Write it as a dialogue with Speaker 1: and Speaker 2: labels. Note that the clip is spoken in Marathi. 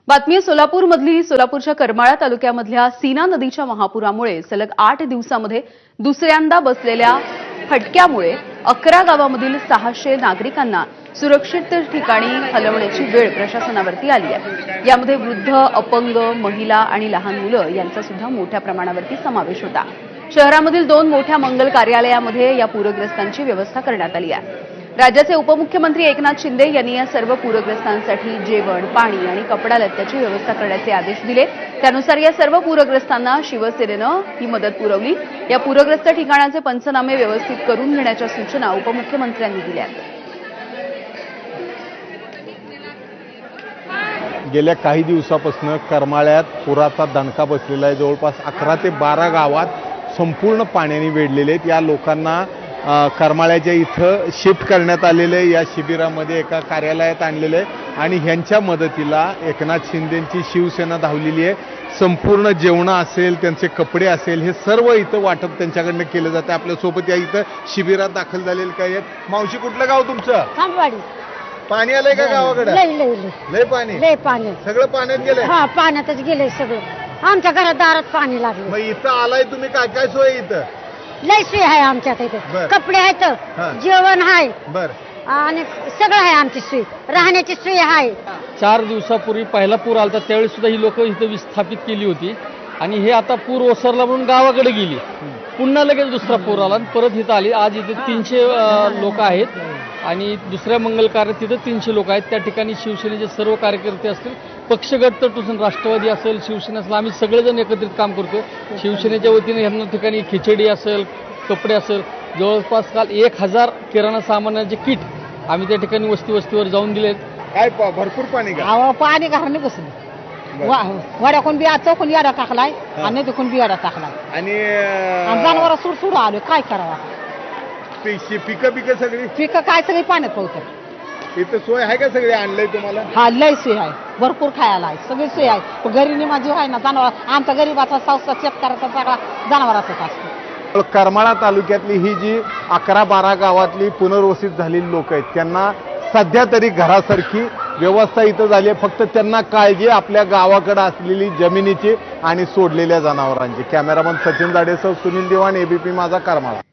Speaker 1: बातमी सोलापूरमधली सोलापूरच्या करमाळा तालुक्यामधल्या सीना नदीच्या महापुरामुळे सलग 8 दिवसांमध्ये दुसऱ्यांदा बसलेल्या फटक्यामुळे 11 गावामधील 600 नागरिकांना सुरक्षित ठिकाणी हलवण्याची वेळ प्रशासनावरती आली आहे। यामध्ये वृद्ध, अपंग, महिला आणि लहान मुलं यांचा सुद्धा मोठ्या प्रमाणावरती समावेश होता। शहरामधील 2 मोठ्या मंगल कार्यालयामध्ये या पूरग्रस्तांची व्यवस्था करण्यात आली आहे। राज्याचे उपमुख्यमंत्री एकनाथ शिंदे यांनी या सर्व पूरग्रस्तांसाठी जेवण, पाणी आणि कपडा लत्याची व्यवस्था करण्याचे आदेश दिले। त्यानुसार या सर्व पूरग्रस्तांना शिवसेनेनं ही मदत पुरवली। या पूरग्रस्त ठिकाणाचे पंचनामे व्यवस्थित करून घेण्याच्या सूचना उपमुख्यमंत्र्यांनी दिल्या।
Speaker 2: गेल्या काही दिवसापासून करमाळ्यात पुराचा दणका बसलेला आहे। जवळपास 11 ते 12 गावात संपूर्ण पाण्याने वेढलेले आहेत। या लोकांना करमाळ्याच्या इथं शिफ्ट करण्यात आलेले, या शिबिरामध्ये एका कार्यालयात आणलेले आणि ह्यांच्या मदतीला एकनाथ शिंदेंची शिवसेना धावलेली आहे। संपूर्ण जेवण असेल, त्यांचे कपडे असेल, हे सर्व इथं वाटप त्यांच्याकडनं केलं जातं। आपल्यासोबत या इथं शिबिरात दाखल झालेले काय आहेत। मावशी, कुठलं गाव तुमचं?
Speaker 3: खांबवाडी।
Speaker 2: पाणी आलंय का गावाकडे? लय पाणी सगळं पाण्यात गेलंय?
Speaker 3: हा, पाण्यातच गेलंय सगळं। आमच्या घरात दारात पाणी लागलं।
Speaker 2: मग इथं आलाय तुम्ही, काय काय सोय इथं?
Speaker 3: लय सोय आहे आमच्यात इथे। कपडे आहेत, जेवण आहे,
Speaker 2: बर,
Speaker 3: आणि सगळं आहे आमची सोय, राहण्याची सोय आहे।
Speaker 4: 4 दिवसापूर्वी पहिला पूर आला त्यावेळी सुद्धा ही लोक इथं विस्थापित केली होती आणि हे आता पूर ओसरला म्हणून गावाकडे गेली। पुन्हा लगेच दुसरा पूर आला आणि परत इथं आली। आज इथे 300 लोक आहेत आणि दुसऱ्या मंगल कार्यात तिथं 300 लोक आहेत। त्या ठिकाणी शिवसेनेचे सर्व कार्यकर्ते असतील, पक्षगट तटून राष्ट्रवादी असेल, शिवसेना असेल, आम्ही सगळेजण एकत्रित काम करतो। शिवसेनेच्या वतीने ह्यांना ठिकाणी खिचडी असेल, कपडे असेल, जवळपास काल 1000 किराणा सामानाचे किट आम्ही त्या ठिकाणी वस्तीवर जाऊन दिलेत।
Speaker 2: काय भरपूर पाणी का?
Speaker 3: पाणी घराने बसलं, वड्या कोण बिया चौकून याडा टाकलाय आणि तिकून बियाडा टाकलाय
Speaker 2: आणि
Speaker 3: जनावर सुडसुड आलो, काय करावं?
Speaker 2: पिकं सगळी
Speaker 3: पिकं काय सगळी पाण्यात पोहतात।
Speaker 2: इथं सोय आहे का? सगळे आणलंय तुम्हाला?
Speaker 3: हा, लय सोय आहे, भरपूर खायला आहे, सगळी सोय आहे। गरीब माझी आहे ना, जनावर आमचा गरीबाचा संस्था शेतकऱ्याचा सगळा जनावराचाच असतो।
Speaker 2: करमाळा तालुक्यातली ही जी 11-12 गावातली पुनर्वसित झालेली लोक आहेत, त्यांना सध्या तरी घरासारखी व्यवस्था इथं झाली आहे। फक्त त्यांना काळजी आपल्या गावाकडे असलेली जमिनीची आणि सोडलेल्या जनावरांची। कॅमेरामन सचिन जाडेसह सुनील दिवाण, एबीपी माझा, करमाळा।